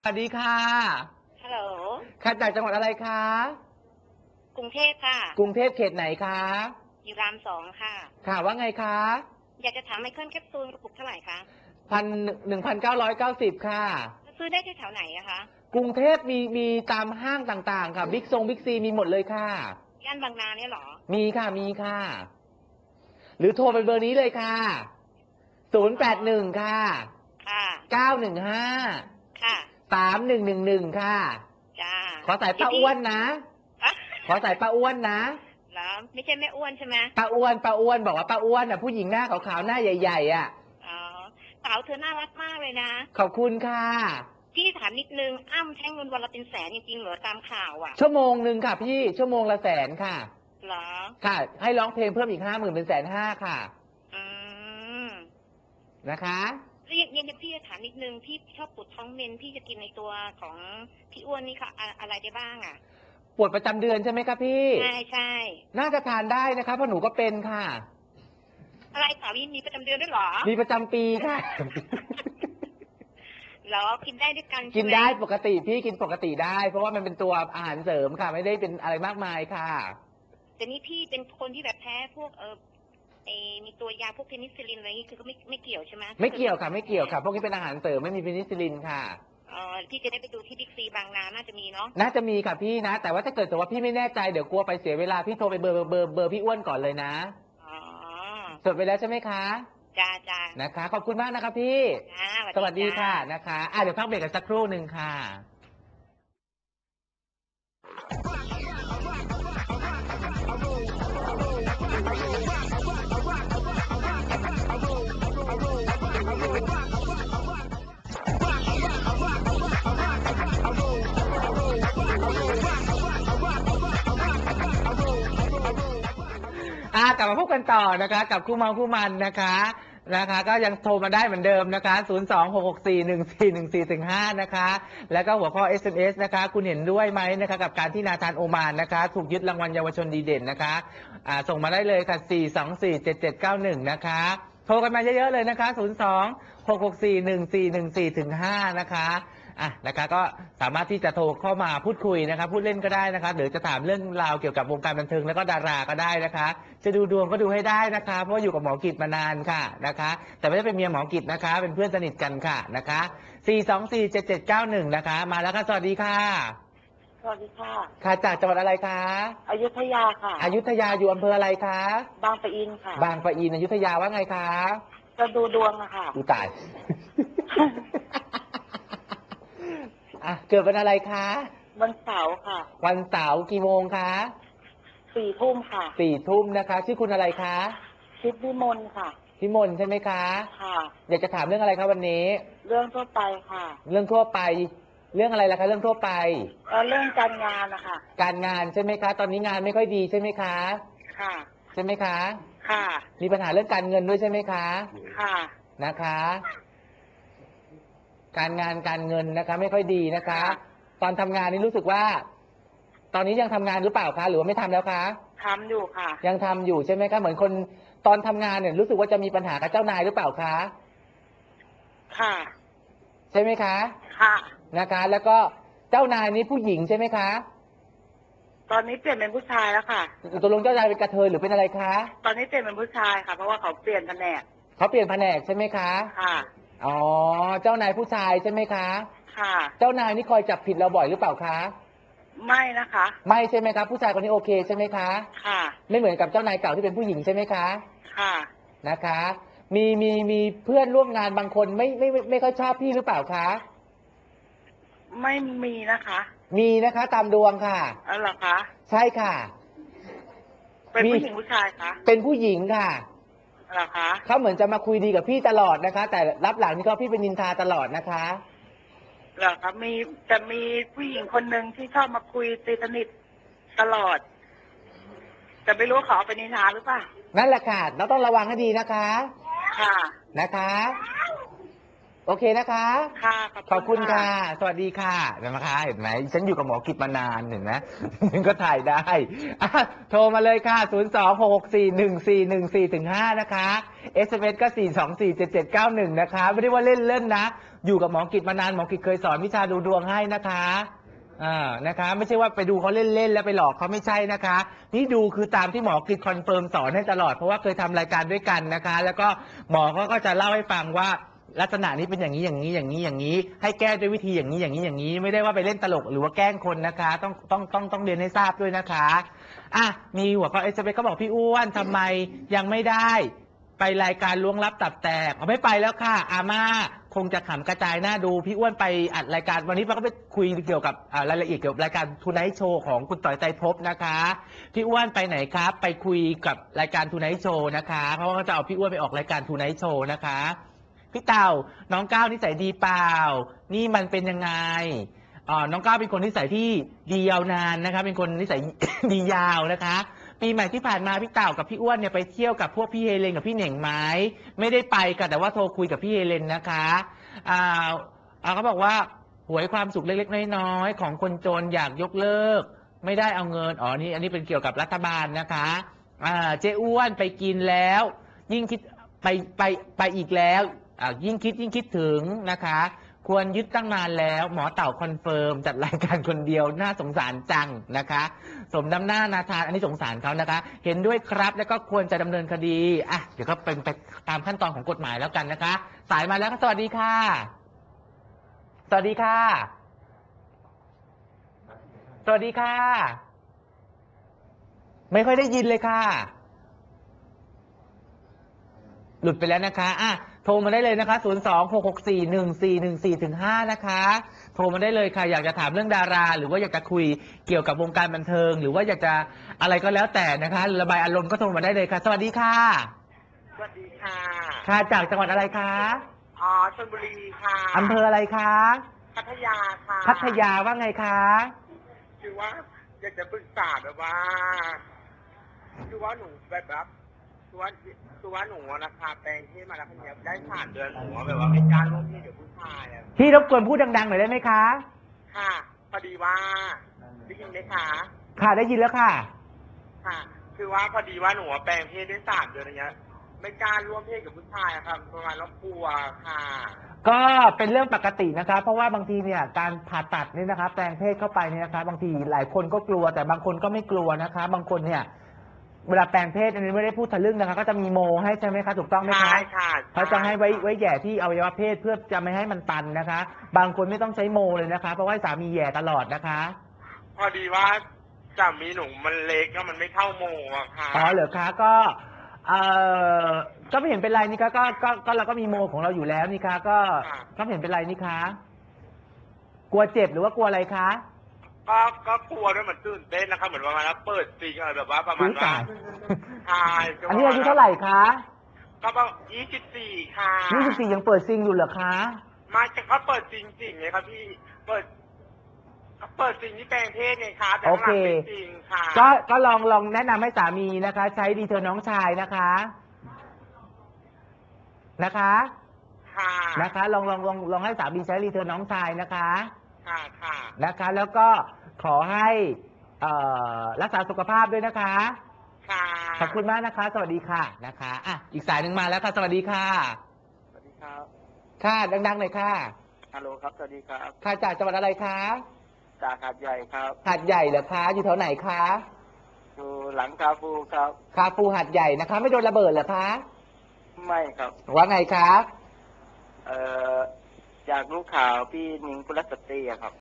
สวัสดีค่ะฮัลโหลค่ะจากจังหวัดอะไรคะกรุงเทพค่ะกรุงเทพเขตไหนคะอยู่รามสองค่ะค่ะว่าไงคะอยากจะถามไมเคิลแคปซูลกระปุกเท่าไหร่คะ 1,990ค่ะซื้อได้ที่แถวไหนอะคะกรุงเทพมีตามห้างต่างๆค่ะบิ๊กซีมีหมดเลยค่ะย่านบางนาเนี่ยเหรอมีค่ะมีค่ะหรือโทรไปเบอร์นี้เลยค่ะ081ค่ะค่ะ 915 ค่ะ 3111ค่ะจ้าขอสายป้าเดี๋ยวพี่อ้วนนะอะขอสายป้าอ้วนนะเหรอไม่ใช่แม่อ้วนใช่ไหมป้าอ้วนบอกว่าป้าอ้วนอ่ะผู้หญิงหน้าขาวๆหน้าใหญ่ๆอ่ะอ๋อสาวเธอน่ารักมากเลยนะขอบคุณค่ะพี่ถามนิดนึงอ้ำใช้เงินวันละเป็นแสนจริงๆเหรอตามข่าวอะชั่วโมงหนึ่งค่ะพี่ชั่วโมงละ100,000ค่ะเหรอค่ะให้ร้องเพลงเพิ่มอีก50,000เป็น150,000ค่ะอืมนะคะแล้วยังพี่จะถามนิดนึงพี่ชอบปวดท้องเมนพี่จะกินในตัวของพี่อ้วนนี่ค่ะอะไรได้บ้างอะปวดประจำเดือนใช่ไหมครับพี่ใช่ใช่น่าจะทานได้นะคะเพราะหนูก็เป็นค่ะอะไรสามีประจำเดือนด้วยเหรอมีประจำปีค่ะเหรอกินได้ด้วยกันกิใช่ไหมนได้ปกติพี่กินปกติได้เพราะว่ามันเป็นตัวอาหารเสริมค่ะไม่ได้เป็นอะไรมากมายค่ะแต่นี่พี่เป็นคนที่แบบแพ้พวกมีตัวยาพวกเพนิซิลลินอะไรอย่างนี้คือก็ไม่เกี่ยวใช่ไหมไม่เกี่ยวค่ะไม่เกี่ยวค่ะพวกนี้เป็นอาหารเสริมไม่มีเพนิซิลลินค่ะพี่จะได้ไปดูที่บิ๊กซีบางนาน่าจะมีเนาะน่าจะมีค่ะพี่นะแต่ว่าถ้าเกิดแต่ว่าพี่ไม่แน่ใจเดี๋ยวกลัวไปเสียเวลาพี่โทรไปเบอร์พี่อ้วนก่อนเลยนะอ๋อจดไปแล้วใช่ไหมคะจ้าจ้านะคะขอบคุณมากนะคะพี่จ้าสวัสดีจ้าค่ะนะคะเดี๋ยวพักเบรกกันสักครู่หนึ่งค่ะกลับมาพบกันต่อนะคะกับคู่เมาคู่มันนะคะก็ยังโทรมาได้เหมือนเดิมนะคะ026641414-5นะคะแล้วก็หัวข้อ SMS นะคะคุณเห็นด้วยไหมนะคะกับการที่นาธานโอมานนะคะถูกยึดรางวัลเยาวชนดีเด่นนะคะส่งมาได้เลยค่ะ4247791นะคะโทรกันมาเยอะๆเลยนะคะ026641414-5นะคะนะคะก็สามารถที่จะโทรเข้ามาพูดคุยนะคะพูดเล่นก็ได้นะคะหรือจะถามเรื่องราวเกี่ยวกับวงการบันเทิงแล้วก็ดาราก็ได้นะคะจะดูดวงก็ดูให้ได้นะคะเพราะอยู่กับหมอกิจมานานค่ะนะคะแต่ไม่ได้เป็นเมียหมอกิจนะคะเป็นเพื่อนสนิทกันค่ะนะคะ4247791นะคะมาแล้วค่ะสวัสดีค่ะสวัสดีค่ะค่ะจากจังหวัดอะไรคะอยุธยาค่ะอยุธยาอยู่อำเภออะไรคะบางปะอินค่ะบางปะอินอยุธยาว่าไงคะจะดูดวงอะค่ะอุยตาย เกิดวันอะไรคะวันเสาร์ค่ะวันเสาร์กี่โมงคะ 4 ทุ่มค่ะ 4 ทุ่มนะคะชื่อคุณอะไรคะชิดวิมลค่ะพิมลใช่ไหมคะค่ะอยากจะถามเรื่องอะไรคะวันนี้เรื่องทั่วไปค่ะเรื่องทั่วไปเรื่องอะไรล่ะคะเรื่องทั่วไปเรื่องการงานนะคะการงานใช่ไหมคะตอนนี้งานไม่ค่อยดีใช่ไหมคะค่ะใช่ไหมคะค่ะมีปัญหาเรื่องการเงินด้วยใช่ไหมคะค่ะนะคะการงานการเงินนะคะไม่ค่อยดีนะคะตอนทำงานนี่รู้สึกว่า ตอนนี้ยังทำงานหรือเปล่าคะหรือว่าไม่ทำแล้วคะทำอยู่ค่ะยังทำอยู่ใช่ไหมคะเหมือนคนตอนทำงานเนี่ยรู้สึกว่าจะมีปัญหากับเจ้านายหรือเปล่าคะค่ะใช่ไหมคะค่ะนะคะ แล้วก็เจ้านายนี้ผู้หญิงใช่ไหมคะตอนนี้เปลี่ยนเป็นผู้ชายแล้วค่ะตกลงเจ้านายเป็นกระเทยหรือเป็นอะไรคะตอนนี้เปลี่ยนเป็นผู้ชายค่ะเพราะว่าเขาเปลี่ยนแผนกเขาเปลี่ยนแผนกใช่ไหมคะค่ะอ๋อเจ้านายผู้ชายใช่ไหมคะค่ะเจ้านายนี่คอยจับผิดเราบ่อยหรือเปล่าคะไม่นะคะไม่ใช่ไหมคะผู้ชายคนนี้โอเคใช่ไหมคะค่ะไม่เหมือนกับเจ้านายเก่าที่เป็นผู้หญิงใช่ไหมคะค่ะนะคะมีเพื่อนร่วมงานบางคนไม่ค่อยชอบพี่หรือเปล่าคะไม่มีนะคะมีนะคะตามดวงค่ะอ๋อเหรอคะใช่ค่ะเป็นผู้หญิงผู้ชายคะเป็นผู้หญิงค่ะเหรอคะเขาเหมือนจะมาคุยดีกับพี่ตลอดนะคะ แต่รับหลังนี่ก็พี่เป็นนินทาตลอดนะคะเหรอคะมีผู้หญิงคนหนึ่งที่ชอบมาคุยตีสนิทตลอดแต่ไม่รู้ว่าเขาเอาไปนินทาหรือเปล่านั่นแหละค่ะเราต้องระวังให้ดีนะคะค่ะนะคะโอเคนะคะค่ะขอบคุณค่ะสวัสดีค่ะนะคะเห็นไหมฉันอยู่กับหมอกิจมานานเห็นไหมก็ถ่ายได้โทรมาเลยค่ะ026641414-5นะคะ SMS ก็4247791นะคะไม่ได้ว่าเล่นนะอยู่กับหมอกิจมานานหมอกิจเคยสอนวิชาดูดวงให้นะคะนะคะไม่ใช่ว่าไปดูเขาเล่นๆแล้วไปหลอกเขาไม่ใช่นะคะนี่ดูคือตามที่หมอกิจคอนเฟิร์มสอนให้ตลอดเพราะว่าเคยทำรายการด้วยกันนะคะ แล้วก็หมอเขาก็จะเล่าให้ฟังว่าลักษณะนี้เป็นอย่างนี้อย่างนี้อย่างนี้อย่างนี้ให้แก้ด้วยวิธีอย่างนี้อย่างนี้อย่างนี้ไม่ได้ว่าไปเล่นตลกหรือว่าแกล้งคนนะคะต้องเรียนให้ทราบด้วยนะคะมีหัวข้อเอสเปก็บอกพี่อ้วนทำไมยังไม่ได้ไปรายการล้วงลับตับแตกไม่ไปแล้วค่ะอาม่าคงจะขำกระจายหน้าดูพี่อ้วนไปอัดรายการวันนี้เราก็ไปคุยเกี่ยวกับรายละเอียดเกี่ยวกับรายการทูไนท์โชว์ของคุณต่อยไตรภพนะคะพี่อ้วนไปไหนครับไปคุยกับรายการทูไนท์โชว์นะคะเพราะว่าเขาจะเอาพี่อ้วนไปออกรายการทูไนท์โชว์นะคะพี่เต่าน้องก้าวนิสัยดีเปล่านี่มันเป็นยังไงน้องก้าวเป็นคนนิสัยที่ดียาวนานนะคะเป็นคนนิสัย ดียาวนะคะปีใหม่ที่ผ่านมาพี่เต่ากับพี่อ้วนเนี่ยไปเที่ยวกับพวกพี่เฮเลนกับพี่เหน่งไหมไม่ได้ไปกันแต่ว่าโทรคุยกับพี่เฮเลนนะคะเขาบอกว่าหวยความสุขเล็กๆน้อยๆของคนจนอยากยกเลิกไม่ได้เอาเงินอันนี้เป็นเกี่ยวกับรัฐบาลนะคะเจ๊อ้วนไปกินแล้วยิ่งคิดไปอีกแล้วยิ่งคิดถึงนะคะควรยึดตั้งนานแล้วหมอเต่าคอนเฟิร์มจัดรายการคนเดียวน่าสงสารจังนะคะสมน้ำหน้านาทานอันนี้สงสารเขานะคะเห็นด้วยครับแล้วก็ควรจะดำเนินคดีเดี๋ยวก็เป็นไปตามขั้นตอนของกฎหมายแล้วกันนะคะสายมาแล้วสวัสดีค่ะสวัสดีค่ะสวัสดีค่ะไม่ค่อยได้ยินเลยค่ะหลุดไปแล้วนะคะโทรมาได้เลยนะคะ026641414-5นะคะโทรมาได้เลยค่ะอยากจะถามเรื่องดาราหรือว่าอยากจะคุยเกี่ยวกับวงการบันเทิงหรือว่าอยากจะอะไรก็แล้วแต่นะคะระบายอารมณ์ก็โทรมาได้เลยค่ะสวัสดีค่ะสวัสดีค่ะค่ะจากจังหวัดอะไรคะชลบุรีค่ะอำเภออะไรคะพัทยาค่ะพัทยาว่าไงคะคือว่าอยากจะปรึกษาแบบว่าคือว่าหนูแบบคือว่าหนูนะคะแปลงที่มาแล้วคนนี้ได้3 เดือนหนูแบบว่าไม่กล้าร่วมที่เดี๋ยวผู้ชายพี่รบกวนพูดดังๆหน่อยได้ไหมคะค่ะพอดีว่าได้ยินไหมคะค่ะได้ยินแล้วค่ะค่ะคือว่าพอดีว่าหนูแปลงเพศได้3 เดือนอะไรเงี้ยไม่กล้าร่วมเพศกับผู้ชายครับประมาณแล้วกลัวค่ะก็เป็นเรื่องปกตินะคะเพราะว่าบางทีเนี่ยการผ่าตัดนี่นะคะแปลงเพศเข้าไปเนี่ยนะคะบางทีหลายคนก็กลัวแต่บางคนก็ไม่กลัวนะคะบางคนเนี่ยเวลาแปลงเพศอันนี้ไม่ได้พูดทะลึ่งนะคะก็จะมีโมให้ใช่ไหมคะถูกต้องไหมคะใช่ค่ะเขาจะให้ไว้แย่ที่อวัยวะเพศเพื่อจะไม่ให้มันตันนะคะบางคนไม่ต้องใช้โมเลยนะคะเพราะว่าสามีแย่ตลอดนะคะพอดีว่าสามีหนูมันเล็กแล้วมันไม่เข้าโมอะค่ะเหรอคะก็ไม่เห็นเป็นไรนี่คะก็เราก็มีโมของเราอยู่แล้วนี่คะก็ไม่เห็นเป็นไรนี่คะกลัวเจ็บหรือว่ากลัวอะไรคะก็กลัวด้วยเหมือนตื่นเต้นนะคะเหมือนประมาณว่าเปิดซิงอะไรแบบว่าประมาณว่าใช่อันนี้อายุเท่าไหร่คะก็ประมาณ24ค่ะ 24ยังเปิดซิงอยู่เหรอคะมาจากเขาเปิดจริงๆไงครับพี่เปิดซิงที่แปลงเพศไงคะแต่ข้างหลังเป็นจริงค่ะก็ลองแนะนำให้สามีนะคะใช้ดีเธอน้องชายนะคะค่ะนะคะลองให้สามีใช้ดีเธอน้องชายนะคะค่ะนะคะแล้วก็ขอให้รักษาสุขภาพด้วยนะคะค่ะขอบคุณมากนะคะสวัสดีค่ะนะคะอีกสายหนึ่งมาแล้วค่ะสวัสดีค่ะสวัสดีครับค่ะดังๆหน่อยค่ะฮัลโหลครับสวัสดีครับค่ะจากจังหวัดอะไรคะจากหาดใหญ่ครับหาดใหญ่เหรอคะอยู่แถวไหนคะอยู่หลังคาฟูครับคาฟูหาดใหญ่นะคะไม่โดนระเบิดเหรอคะไม่ครับว่าไงคะอยากรู้ข่าวพี่นิ้งกุลสตรีครับ